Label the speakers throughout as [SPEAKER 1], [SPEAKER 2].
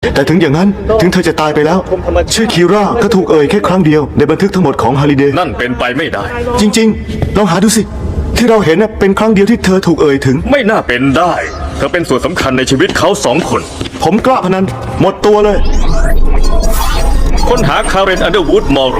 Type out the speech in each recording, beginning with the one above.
[SPEAKER 1] แต่ถึงอย่างนั้นถึงเธอจะตายไปแล้วชื่อคีร่าก็ถูกเอ่ยแค่ครั้งเดียวในบันทึกทั้งหมดของฮาริเดย์
[SPEAKER 2] นั่นเป็นไปไม่ได้
[SPEAKER 1] จริงๆลองหาดูสิที่เราเห็นเป็นครั้งเดียวที่เธอถูกเอ่ยถึง
[SPEAKER 2] ไม่น่าเป็นได้ เธอเป็นส่วนสำคัญในชีวิตเขา2 คน
[SPEAKER 1] ผมกล้าพนันหมดตัวเลย
[SPEAKER 2] ค้นหาคาร์เรนอันเดอร์วูดมอร์โร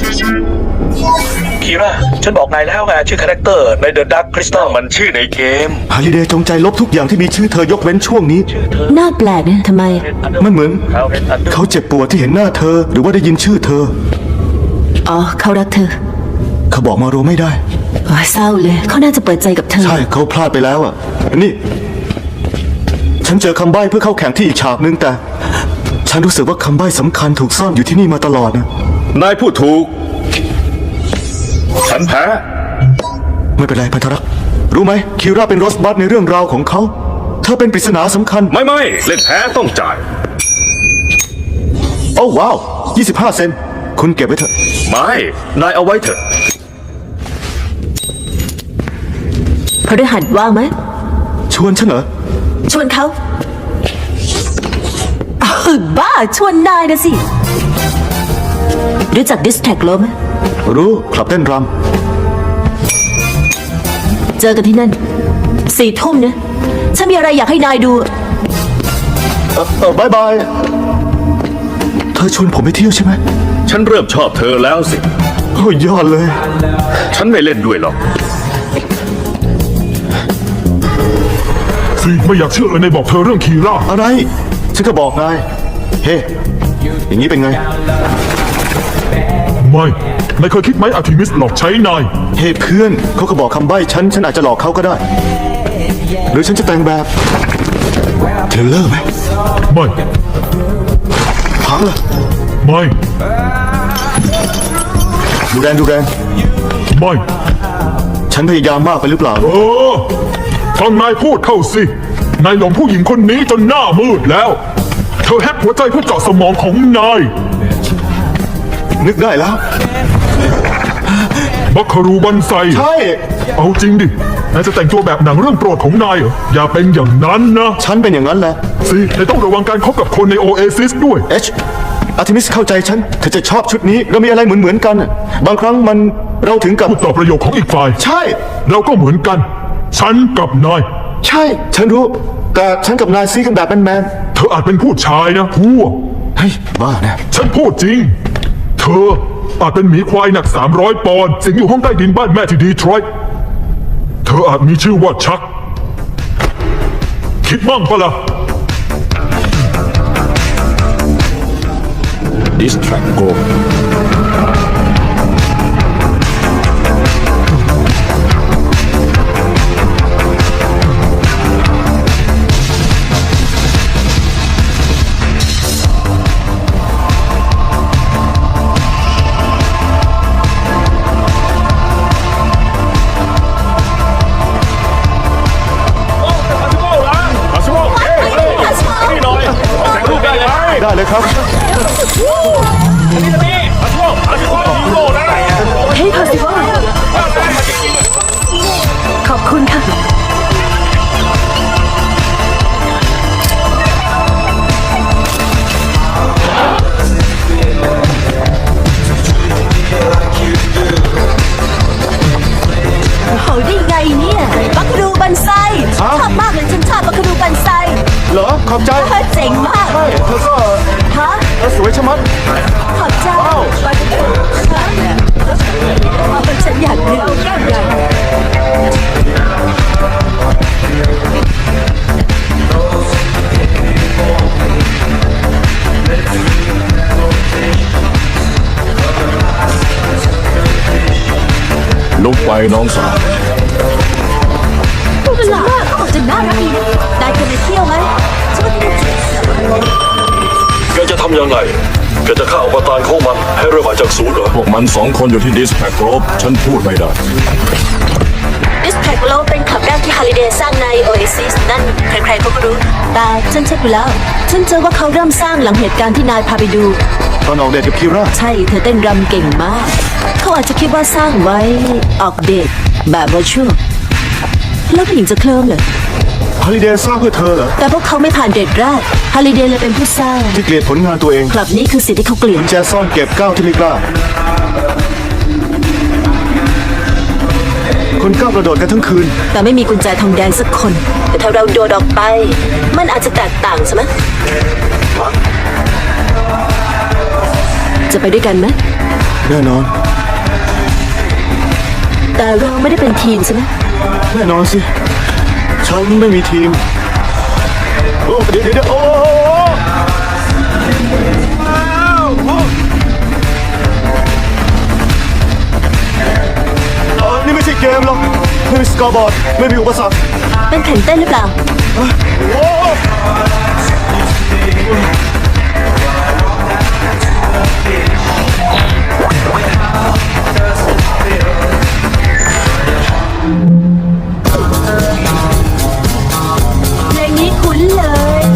[SPEAKER 3] คีร่าฉันบอกนายแล้วไงชื่อคาแรคเตอร์ในเดอะดักคริสตัล
[SPEAKER 2] มันชื่อในเกม
[SPEAKER 1] ฮาริเดย์จงใจลบทุกอย่างที่มีชื่อเธอยกเว้นช่วงนี้
[SPEAKER 4] น่าแปลกนะทำไม
[SPEAKER 1] มันเหมือน
[SPEAKER 3] คาร์เรนอันเดอร์
[SPEAKER 1] เขาเจ็บปวดที่เห็นหน้าเธอหรือว่าได้ยินชื่อเธอ
[SPEAKER 4] อ๋อเขารักเธอ
[SPEAKER 1] เขาบอกมาโรไม่ได้
[SPEAKER 4] โอ้ยเศร้าเลยเขาน่าจะเปิดใจกับเธอ
[SPEAKER 1] ใช่เขาพลาดไปแล้วอ่ะนี่ ฉันเจอคำใบ้เพื่อเข้าแข่งที่อีกฉากนึงแต่ ฉันรู้สึกว่าคำใบ้สำคัญถูกซ่อนอยู่ที่นี่มาตลอดนะ
[SPEAKER 2] นายพูดถูก ฉันแพ้
[SPEAKER 1] ไม่เป็นไรพันธรักษ์รู้ไหมคิร่าเป็นโรสบัตในเรื่องราวของเขาเธอเป็นปริศนาสำคัญ
[SPEAKER 2] ไม่เล่นแพ้ต้องจ่าย
[SPEAKER 1] โอ้ว้าว25 เซนต์คุณเก็บไว้เถอะ
[SPEAKER 2] ไม่ นายเอาไว้เถอะ
[SPEAKER 4] พฤหัสว่างไหม
[SPEAKER 1] ชวนฉันเหรอ
[SPEAKER 4] ชวนเขาอ้าวบ้าชวนนายนะสิ รู้จักดิสแท็กโลไหม
[SPEAKER 1] รู้คลับเต้นร
[SPEAKER 4] เจอกันที่นั่น4 ทุ่มนะฉันมีอะไรอยากให้นายดู
[SPEAKER 1] ำบายบาย เธอชวนผมไปเที่ยวใช่ไหม
[SPEAKER 2] ฉันเริ่มชอบเธอแล้วสิ
[SPEAKER 1] โอ้ยยอดเลย
[SPEAKER 2] ฉันไม่เล่นด้วยหรอก
[SPEAKER 5] สิไม่อยากเชื่อเลยนายบอกเธอเรื่องคีร่า
[SPEAKER 1] อะไร ฉันก็บอกนาย เฮ้ อย่างนี้เป็นไง
[SPEAKER 5] ไม่นายเคยคิดไหมอาร์ทิมิสหลอกใช้นาย
[SPEAKER 1] เฮ้เพื่อนเขาก็บอกคำใบ้ฉันอาจจะหลอกเขาก็ได้ หรือฉันจะแต่งแบบเทรลเลอร์ไหม
[SPEAKER 5] ไม่
[SPEAKER 1] พังเหรอ
[SPEAKER 5] ไม่
[SPEAKER 1] ดูแรง
[SPEAKER 5] ไม่
[SPEAKER 1] ฉันพยายามมากไปหรือเปล่า
[SPEAKER 5] ฟังนายพูดเข้าสิ นายหลงผู้หญิงคนนี้จนหน้ามืดแล้ว เธอแฮกหัวใจเพื่อเจาะสมองของนาย
[SPEAKER 1] นึกได้แล้ว
[SPEAKER 5] บัคคารูบันไซ
[SPEAKER 1] ใช่
[SPEAKER 5] เอาจริงดิ นายจะแต่งตัวแบบหนังเรื่องโปรดของนายเหรอ อย่าเป็นอย่างนั้นนะ
[SPEAKER 1] ฉันเป็นอย่างนั้นแหละ
[SPEAKER 5] สินายต้องระวังการคบกับคนในโอเอซิสด้วย
[SPEAKER 1] อาร์ทิมิสเข้าใจฉันเธอจะชอบชุดนี้เรามีอะไรเหมือนกันน่ะบางครั้งมันเราถึงกับ
[SPEAKER 5] พูดต่อประโยคของอีกฝ่าย
[SPEAKER 1] ใช่
[SPEAKER 5] เราก็เหมือนกัน ฉันกับนาย
[SPEAKER 1] ใช่ ฉันรู้ แต่ฉันกับนายซีกันแบบแมน
[SPEAKER 5] เธออาจเป็นผู้ชายนะพวก
[SPEAKER 1] ๆเฮ้ยบ้านะ
[SPEAKER 5] ฉันพูดจริง เธออาจเป็นหมีควายหนัก300 ปอนด์สิงอยู่ห้องใต้ดินบ้านแม่ที่ดีทรอยต์เธออาจมีชื่อว่าชัก คิดมั่งปะล่ะ
[SPEAKER 2] Distract Go
[SPEAKER 1] ได้เลยครับ
[SPEAKER 4] เฮ้ยพาสิวขอบคุณค่ะ โหได้ไงเนี่ย บัคคารูบันไซชอบมากเลยฉันชอบบัคคารูบันไซ
[SPEAKER 1] เหรอ ขอบใจ
[SPEAKER 4] เจ๋งมาก
[SPEAKER 1] ไม่เธอก็
[SPEAKER 4] ฮะ
[SPEAKER 1] สวยชะมัด
[SPEAKER 4] ขอบใจฉันอยากดื่มอยาก
[SPEAKER 2] ลุกไปน้องสาว
[SPEAKER 4] พูดเป็นหลักเขาบอกจะน่ารักดีนะนายเคยไปเที่ยวไหมฉันว่าที่นี่
[SPEAKER 3] แกจะทำยังไงแกจะฆ่าอวตารของมันให้เริ่มมาจากศูนย์เหรอ
[SPEAKER 2] พวกมัน2 คนอยู่ที่ Distract Group ฉันพูดไม่ได้
[SPEAKER 4] ดิสแท็กโลเป็นคลับแรกที่ฮาริเดย์สร้างในโอเอซิสนั่นใครๆเขาก็รู้แต่ฉันเช็คดูแล้ว ฉันเจอว่าเขาเริ่มสร้างหลังเหตุการณ์ที่นายพาไปดู
[SPEAKER 1] ตอนออกเดทกับคิร่า
[SPEAKER 4] ใช่เธอเต้นรำเก่งมาก เขาอาจจะคิดว่าสร้างไว้ออกเดทแบบวอชวลแล้วผู้หญิงจะเคลิ้มเลย
[SPEAKER 1] ฮาริเดย์สร้างเพื่อเธอเหรอ
[SPEAKER 4] แต่พวกเขาไม่ผ่านเดทแรกฮาริเดย์เลยเป็นผู้สร้าง
[SPEAKER 1] ที่เกลียดผลงานตัวเอง
[SPEAKER 4] คลับนี้คือสิ่งที่เขาเกลียด
[SPEAKER 1] กุญแจซ่อนเก็บก้าวที่ไม่กล้า คนก้าวกระโดดกันทั้งคืน
[SPEAKER 4] แต่ไม่มีกุญแจทองแดงสักคน แต่ถ้าเราโดดออกไป มันอาจจะแตกต่างใช่ไหมจะไปด้วยกันไหม
[SPEAKER 1] แน่นอน
[SPEAKER 4] แต่เราไม่ได้เป็นทีมใช่ไหม
[SPEAKER 1] แน่นอนสิ ฉันไม่มีทีม โอ้เดี๋ยวโอ้นี่ไม่ใช่เกมหรอกไม่มีสกอร์บอร์ด ไม่มีอุปสรรค
[SPEAKER 4] เป็นแข่งเต้นหรือเปล่า เพลงนี้คุ้นเลย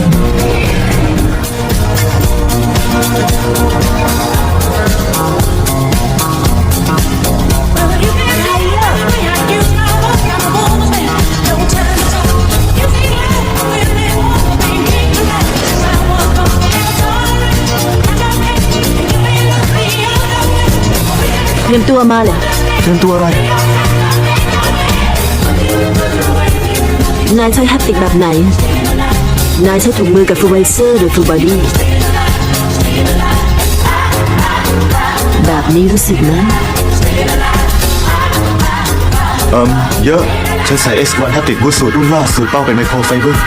[SPEAKER 4] เตรียมตัวมาเลย
[SPEAKER 1] เตรียมตัวอะไร
[SPEAKER 4] นายใช้แฮปติกแบบไหน นายใช้ถุงมือกับฟูลไวเซอร์หรือฟูลบอดี้ แบบนี้รู้สึกไหม
[SPEAKER 1] เยอะ ฉันใส่ X1 Haptic Boot สูตรรุ่นล่าสุดเป้าเป็นไมโครไฟเบอร์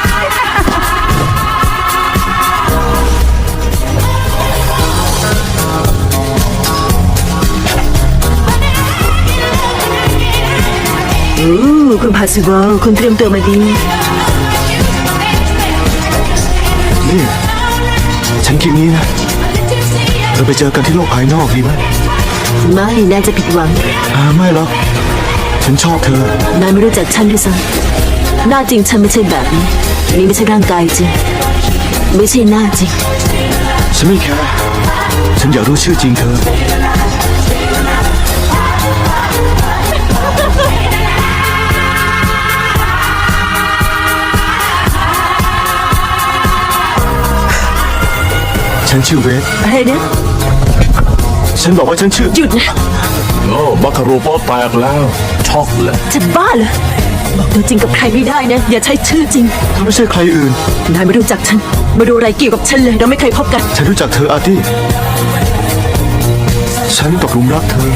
[SPEAKER 4] คุณพาซิวอลคุณเตรียมตัวมาดี
[SPEAKER 1] นี่ ฉันคิดนี้นะ เราไปเจอกันที่โลกภายนอกดีไหม
[SPEAKER 4] ไม่นายจะผิดหวัง
[SPEAKER 1] ไม่หรอก ฉันชอบเธอ
[SPEAKER 4] นายไม่รู้จักฉันด้วยซ้ำหน้าจริงฉันไม่ใช่แบบนี้ นี่ไม่ใช่ร่างกายจริง ไม่ใช่หน้าจริง
[SPEAKER 1] ฉันไม่แคร์ฉันอยากรู้ชื่อจริงเธอ ฉันชื่อเวส
[SPEAKER 4] อะไรนะ
[SPEAKER 1] ฉันบอกว่าฉันชื่อ
[SPEAKER 4] หยุดนะ
[SPEAKER 2] โอ้บัคคารูโปแตกแล้ว ช็อกเลย
[SPEAKER 4] จะบ้าเหรอบอกตัวจริงกับใครไม่ได้นะ อย่าใช้ชื่อจริง
[SPEAKER 1] เธอไม่ใช่ใครอื่น
[SPEAKER 4] นายไม่รู้จักฉันมาดูอะไรเกี่ยวกับฉันเลย เราไม่เคยพบกัน
[SPEAKER 1] ฉันรู้จักเธออาร์ตี้ ฉันตกหลุมรักเธอ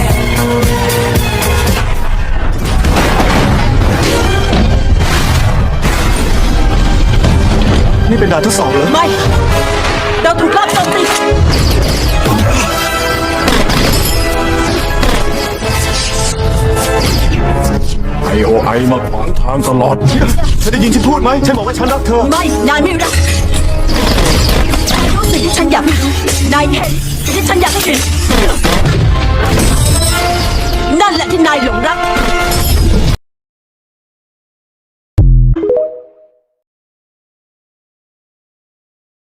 [SPEAKER 1] นี่เป็นด่านทดสอบเหรอ
[SPEAKER 4] ไม่ เราถูกลอบโจมตี
[SPEAKER 2] IOI มาขวางทางตลอด
[SPEAKER 1] ฉันได้ยินฉันพูดไหม ฉันบอกว่าฉันรักเธอ
[SPEAKER 4] ไม่ นายไม่รักรู้สิ่งที่ฉันอยากให้รู้นายเห็นสิ่งที่ฉันอยากให้เห็น นั่นแหละที่นายหลงรัก